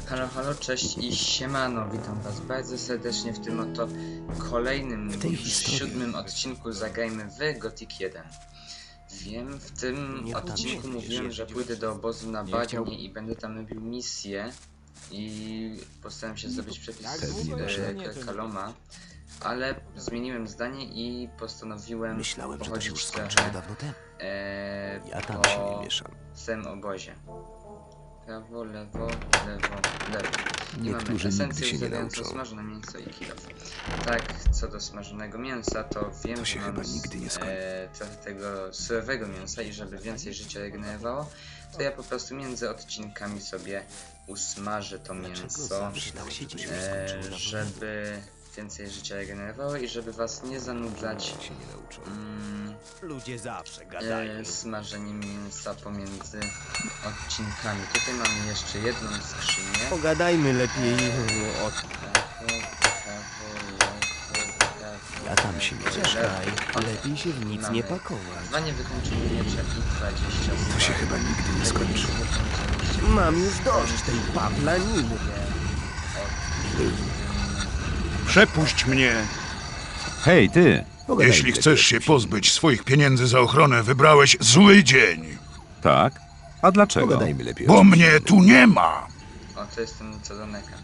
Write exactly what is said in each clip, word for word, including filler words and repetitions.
Halo, halo, cześć i siemano, witam was bardzo serdecznie w tym oto kolejnym, siódmym odcinku Zagrajmy w Gothic jeden. Wiem, w tym odcinku mówiłem, że pójdę do obozu na bagnie i będę tam robił misję i postaram się zdobyć przepis e, Kaloma, ale zmieniłem zdanie i postanowiłem Myślałem, że to się już pochodzić skończyło trochę dawno temu. e, Ja tam po się nie mieszam. samym obozie. Prawo, lewo, lewo, lewo. I Niektórzy mamy nigdy esencję się nie zawierającą nauczą. smażone mięso i kilof. Tak, co do smażonego mięsa, to wiem, To się że mam chyba nigdy nie skończy. e, trochę tego surowego mięsa i żeby więcej życia regenerowało, to ja po prostu między odcinkami sobie usmażę to mięso, e, żeby więcej życia regenerowało i żeby was nie zanudzać mm, Ludzie zawsze gadają. e, smażeniem mięsa pomiędzy odcinkami. Tutaj mamy jeszcze jedną skrzynię. Pogadajmy lepiej o... Prawo, prawo, lewo, prawo, Ja tam się nie lewo, mieszam. lewo. Lepiej się w nic Mamy nie pakować. Dwa niewykończone miecze i dwadzieścia To się chyba nigdy nie skończy. Mam już dość tej paplaniny. Przepuść mnie! Hej, ty! Jeśli chcesz się pozbyć swoich pieniędzy za ochronę, wybrałeś zły dzień. Tak? A dlaczego? Pogadajmy lepiej. Bo mnie tu nie ma! O, to jest ten co do meka.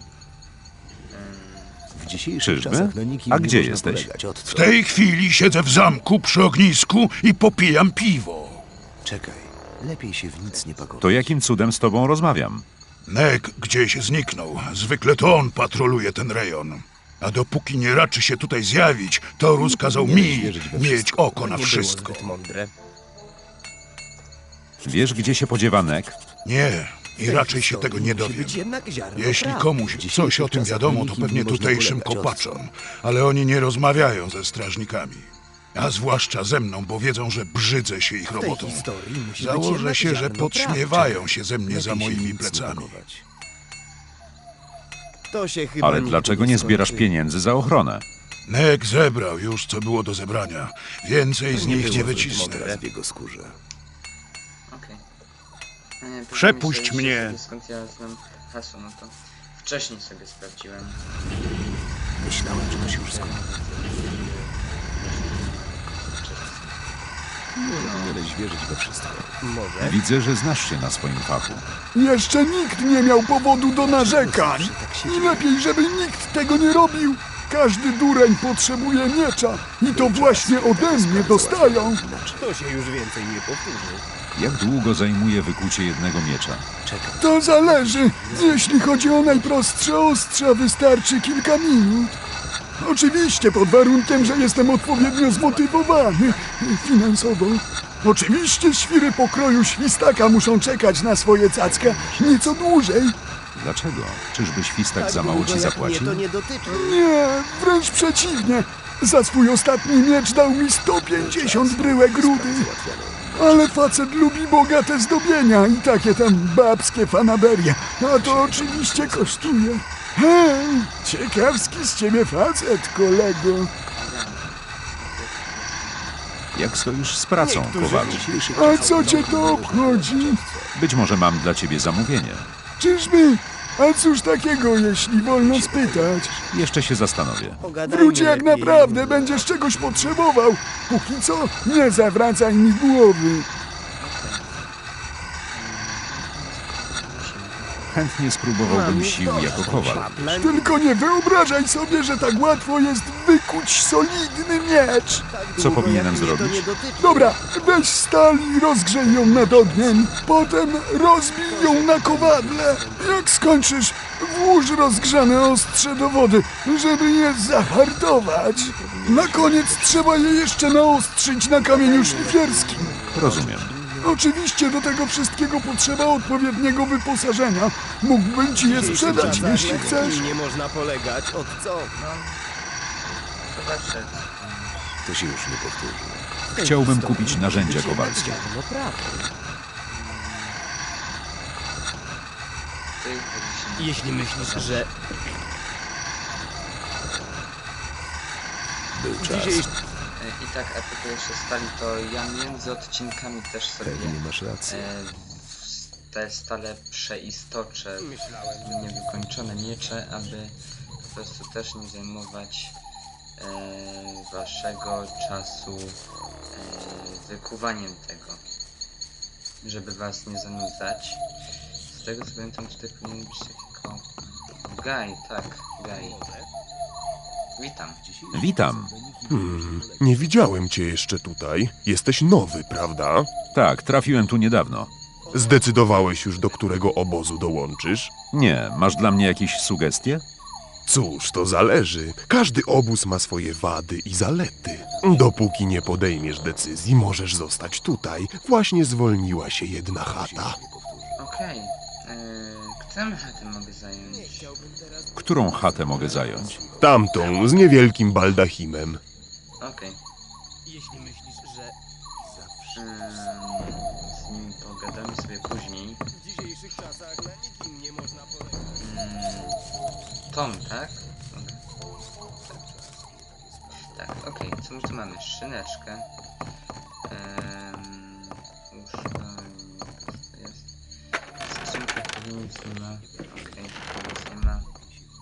W dzisiejszych Czyżby? czasach na nikim A nie gdzie można jesteś? polegać. Od W tej chwili siedzę w zamku przy ognisku i popijam piwo. Czekaj, lepiej się w nic nie pakować. To jakim cudem z tobą rozmawiam? Nek gdzieś zniknął. Zwykle to on patroluje ten rejon. A dopóki nie raczy się tutaj zjawić, to rozkazał mi mieć oko na Nie wszystko. było zbyt mądre. Wiesz, gdzie się podziewa Nek? Nie, i raczej się tego nie Musi dowiem. być jednak ziarno Jeśli prawdy. komuś coś o tym wiadomo, to pewnie tutejszym kopaczom, ale oni nie rozmawiają ze strażnikami. A zwłaszcza ze mną, bo wiedzą, że brzydzę się ich W tej robotą. historii musi być Założę jednak się, że ziarno podśmiewają się ze mnie Lepiej za się w moimi nic nie plecami. pakować. prawdy. To się chyba Ale nigdy dlaczego nie zbierasz skończy. pieniędzy za ochronę? Nek zebrał już, co było do zebrania. Więcej z nie nich było nie zbyt wycisnę. mądre. Teraz w jego skórze. Okej. Okay. Przepuść mnie. Skąd ja znam hasło, no to wcześniej sobie sprawdziłem. Myślałem, że to się już skończy. Nie powinieneś wierzyć we wszystko. Może? Widzę, że znasz się na swoim fachu. Jeszcze nikt nie miał powodu do narzekań. Tak się I dzieje. lepiej, żeby nikt tego nie robił. Każdy dureń potrzebuje miecza. I to właśnie ode mnie dostają. Inaczej. To się już więcej nie powtórzy. Jak długo zajmuje wykucie jednego miecza? Czekaj. To zależy. Jeśli chodzi o najprostsze ostrza, wystarczy kilka minut. Oczywiście pod warunkiem, że jestem odpowiednio zmotywowany finansowo. Oczywiście świry pokroju świstaka muszą czekać na swoje cacka nieco dłużej. Dlaczego? Czyżby świstak Tak za mało długo ci jak zapłacił? mnie to nie dotyczy. Nie, wręcz przeciwnie. Za swój ostatni miecz dał mi sto pięćdziesiąt bryłek rudy. Ale facet lubi bogate zdobienia i takie tam babskie fanaberie. A to oczywiście kosztuje. Hej, ciekawski z ciebie facet, kolego. Jak stoisz z pracą, Kowalu? A co cię to obchodzi? Być może mam dla ciebie zamówienie. Czyżby? A cóż takiego, jeśli wolno spytać? Jeszcze się zastanowię. Pogadajmy Wróć jak lepiej. naprawdę będziesz czegoś potrzebował. Póki co, nie zawracaj mi głowy. Chętnie spróbowałbym sił jako kowal. Paplan... Tylko nie wyobrażaj sobie, że tak łatwo jest wykuć solidny miecz. Tak Co długo, powinienem jak mnie zrobić? To nie dotyczy. Dobra, weź stal i rozgrzej ją nad ogniem. Potem rozbij ją na kowadle. Jak skończysz, włóż rozgrzane ostrze do wody, żeby je zahartować. Na koniec trzeba je jeszcze naostrzyć na kamieniu szlifierskim. Rozumiem. Oczywiście do tego wszystkiego potrzeba odpowiedniego wyposażenia. Mógłbym ci je sprzedać, jeśli chcesz. Nie można polegać. Od co? Zobaczę. To się już nie powtórzy. Chciałbym kupić narzędzia kowalskie. No prawda. Ty chodzi się Jeśli myślisz, że Był czas. dzisiaj E, I tak, a tylko jeszcze stali, to ja między odcinkami też sobie Pewnie masz rację. e, te stale przeistocze niewykończone miecze, aby po prostu też nie zajmować e, waszego czasu e, wykuwaniem tego, żeby was nie zanudzać. Z tego co pamiętam, tutaj powinien być takiego Gaj, tak, Gaj. Witam. Witam. Hmm, nie widziałem cię jeszcze tutaj. Jesteś nowy, prawda? Tak, trafiłem tu niedawno. Zdecydowałeś już, do którego obozu dołączysz? Nie, masz dla mnie jakieś sugestie? Cóż, to zależy. Każdy obóz ma swoje wady i zalety. Dopóki nie podejmiesz decyzji, możesz zostać tutaj. Właśnie zwolniła się jedna chata. Okej. Yy, którą chatę mogę zająć? Którą chatę mogę zająć? Tamtą, z niewielkim baldachimem. Okej. Jeśli myślisz, że Ym, z nim pogadamy sobie później. w dzisiejszych czasach na nikim nie można polegać. Ym, Tom, tak? Tak, tak okej. Co my tu mamy? Szyneczkę. Ym, łóżko. Co to jest? Skrzynka pewnie nic nie ma. Okej, nic nie ma.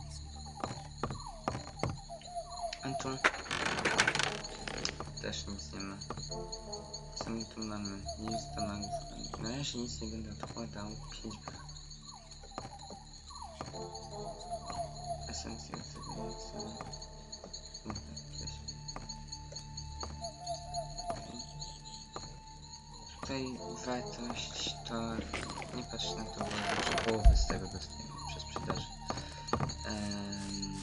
A tu? Też nic nie ma. Co my tu mamy? Nic do magów. Na razie nic nie będę odkładał. pięć. Esencja tego jest. Tutaj wartość to nie patrz na to, bo że połowę z tego dostajemy przez sprzedaż. Um,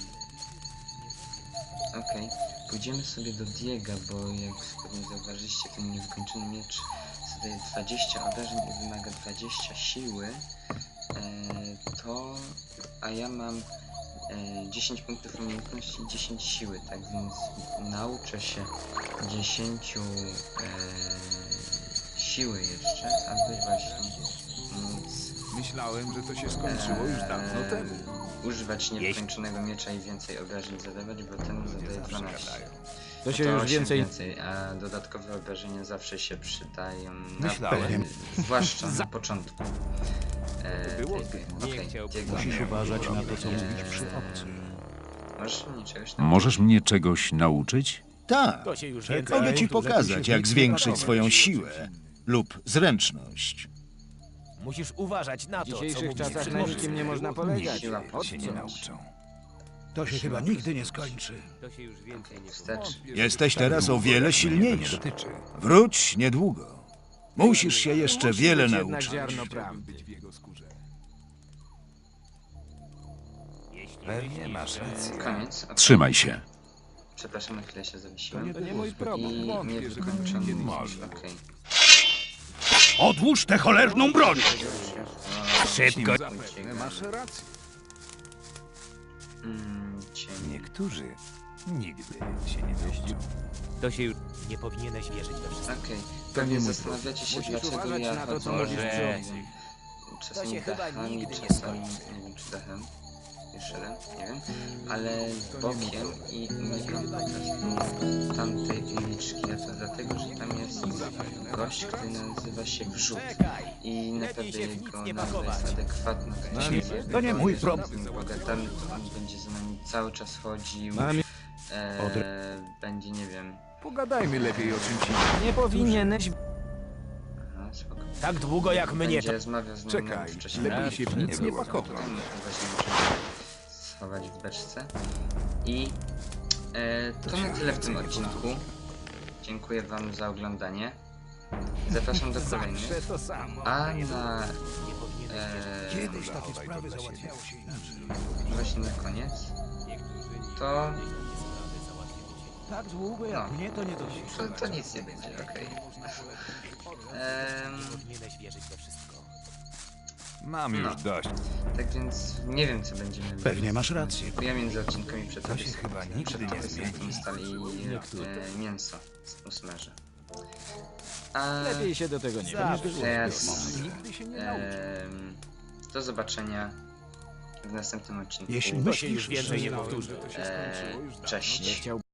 Okej, okay. Pójdziemy sobie do Diega, bo jak pewnie zauważyliście, ten niewykończony miecz zadaje dwadzieścia obrażeń i wymaga dwadzieścia siły. E, to, a ja mam e, dziesięć punktów umiejętności i dziesięć siły, tak więc nauczę się dziesięć e, siły jeszcze, aby właśnie móc Myślałem, że to się skończyło już dawno e, temu. używać niewykończonego miecza i więcej obrażeń zadawać, bo ten zadaje dwanaście. To się To już osiem więcej... więcej, a dodatkowe obrażenia zawsze się przydają, na, Myślałem. zwłaszcza na początku. E, Było tej gry. Okej, Diego. Musisz uważać na to, co mówisz przy obcych. Możesz mnie czegoś tam... Możesz mnie czegoś nauczyć? Tak, To się już Czekaj, więcej... mogę ci tu, żeby pokazać, się jak nic zwiększyć nie swoją pakować. siłę lub zręczność. Musisz uważać na W to, co dzisiejszych mówisz czasach przy na obcych. nikim nie można polegać. Siła pod się nie nauczą. To się chyba nigdy nie skończy. To się już więcej nie... Wstecz. Jesteś teraz o wiele Mnie to nie silniejszy. dotyczy. Wróć niedługo. Musisz się jeszcze Musi wiele być jednak nauczyć. ziarno prawdy. Być w jego skórze. Pewnie masz rację. Koniec. Okay. Trzymaj się. Przepraszam, na chwilę się zawiesiłem. To nie mój problem. I niewykończony miecz. Okej. Odłóż tę cholerną broń! Szybko. Zapewne masz rację. Mm, cień. Niektórzy nigdy się nie nauczą. To się już... Nie powinieneś wierzyć we wszystko. Okej. Pewnie zastanawiacie się, Musisz dlaczego uważać ja na to, co chodzę, mówisz nie przy wiem, obcych. czasami To się chyba dachami, nigdy nie czasami, nie wiem czy dachem, jeszcze jeden, nie wiem, ale bokiem i unikam po prostu tamtej uliczki, a to dlatego, że tam jest gość, który nazywa się Wrzut i naprawdę jego nazwa jest adekwatna do siebie, to nie bo mój jeżeli problem. z nim pogadamy, to on będzie za nami cały czas chodził, Mam- e, będzie, nie wiem, Pogadajmy lepiej o czymś innym. Nie powinieneś... aha, spoko. Tak długo jak mnie to... Będzie rozmawiał z nami Czekaj, wcześniej. lepiej się w nic nie pakować. Potem właśnie musimy schować w beczce. I e, to na tyle w tym odcinku. Dziękuję wam za oglądanie. Zapraszam do kolejnych. To samo. A na e, Kiedyś takie sprawy załatwiało się inaczej. właśnie na koniec to, Tak długo jak No. mnie to nie dotyczy. to, to nic nie będzie, okej. Em, Powinieneś wierzyć we wszystko. Mam już No. dość. Tak więc nie wiem co będziemy robić. Pewnie masz rację. Ja między odcinkami przed To się chyba nigdy nie zmieni. stali e, mięso usmażę. A Lepiej się do tego nie teraz Nigdy się nie nauczą. em, do zobaczenia w następnym odcinku. Jeśli To się już myślisz, więcej że nie powtórzy. To się E, skończyło już dawno cześć. chciał